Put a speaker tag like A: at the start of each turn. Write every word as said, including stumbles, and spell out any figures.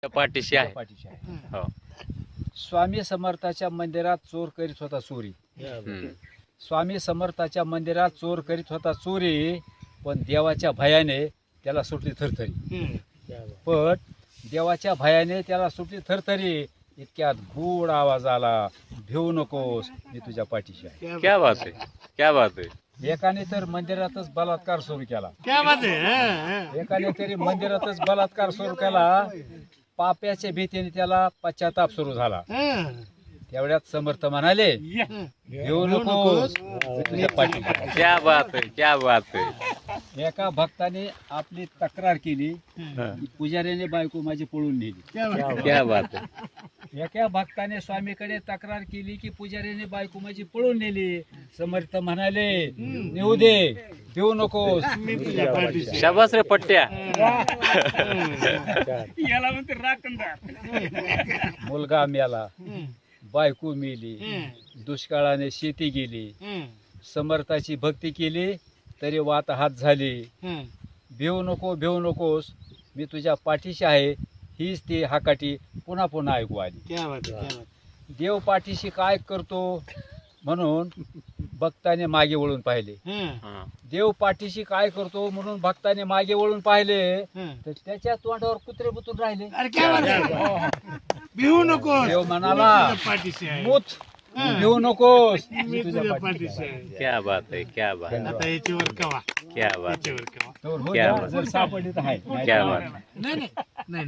A: त्या पाठीशी आहे.
B: पाठीशी आहे.
A: हो.
B: स्वामी समर्थाच्या मंदिरात चोर करीत होता चोरी.
A: हम्म.
B: स्वामी समर्थाच्या मंदिरात चोर करीत होता चोरी, पण देवाच्या भयाने त्याला सुटली थरथरी. पण देवाच्या भयाने त्याला सुटली थरथरी. इतक्यात गोड आवाज आला, भिवू नकोस, मी तुझ्या पाठीशी आहे.
A: क्या बात आहे, क्या बात आहे.
B: एकाने तर मंदिरातच बलात्कार सुरू केला.
C: क्या बात है.
B: एकाने तरी मंदिरातच बलात्कार सुरू केला. पाप्याच्या भीतीने त्याला पश्चाताप सुरू झाला. तेवढ्यात समर्थ म्हणाले, भिवू नकोस, मी तुझ्या पाठीशी आहे.
A: क्या बात आहे, क्या बात आहे.
B: एका भक्ताने आपली तक्रार केली की पुजाऱ्याने बायको माझी पळून नेली.
A: क्या बात आहे.
B: एका भक्ताने स्वामीकडे तक्रार केली की पुजाऱ्याने बायको माझी पळून नेली. समर्थ म्हणाले, नेऊ दे, देऊ नकोस, मी तुझ्या पाठीशी आहे.
A: शाबास रे पट्ट्या.
C: याला म्हणते राखणदार.
B: मुलगा मेला, बायको मेली, दुष्काळाने शेती गेली. समर्थाची भक्ती केली तरी वात हात झाली. भिवू नको, भिवू नकोस, मी तुझ्या पाठीशी आहे, हीच ती हाकाटी पुन्हा पुन्हा ऐकू आली.
C: क्या बात है, क्या बात.
B: देव पाठीशी काय करतो म्हणून भक्ताने मागे वळून पाहिले.
A: हा.
B: देव पाठीशी काय करतो म्हणून भक्ताने मागे वळून पाहिले
C: हं.
B: तर त्याच्या तोंडावर कुत्रे बुतून राहिले.
C: अरे क्या बात है. भिवू नको.
B: देव म्हणाला,
C: पाठीशी आहे.
B: मूत, भिवू नकोस,
C: मी
B: मी तुझ्या
C: तुझ्या
B: पाठीशी
C: पाठीशी
B: आहे.
C: आहे.
A: क्या बात आहे, क्या बात आहे.
C: आता याच्यावर कवा,
A: क्या बात आहे.
C: याच्यावर कवा.
B: तर हो
A: क्या
B: द्या,
A: बात.
B: जर सापडली तर आहे.
A: क्या बात.
C: नाही नाही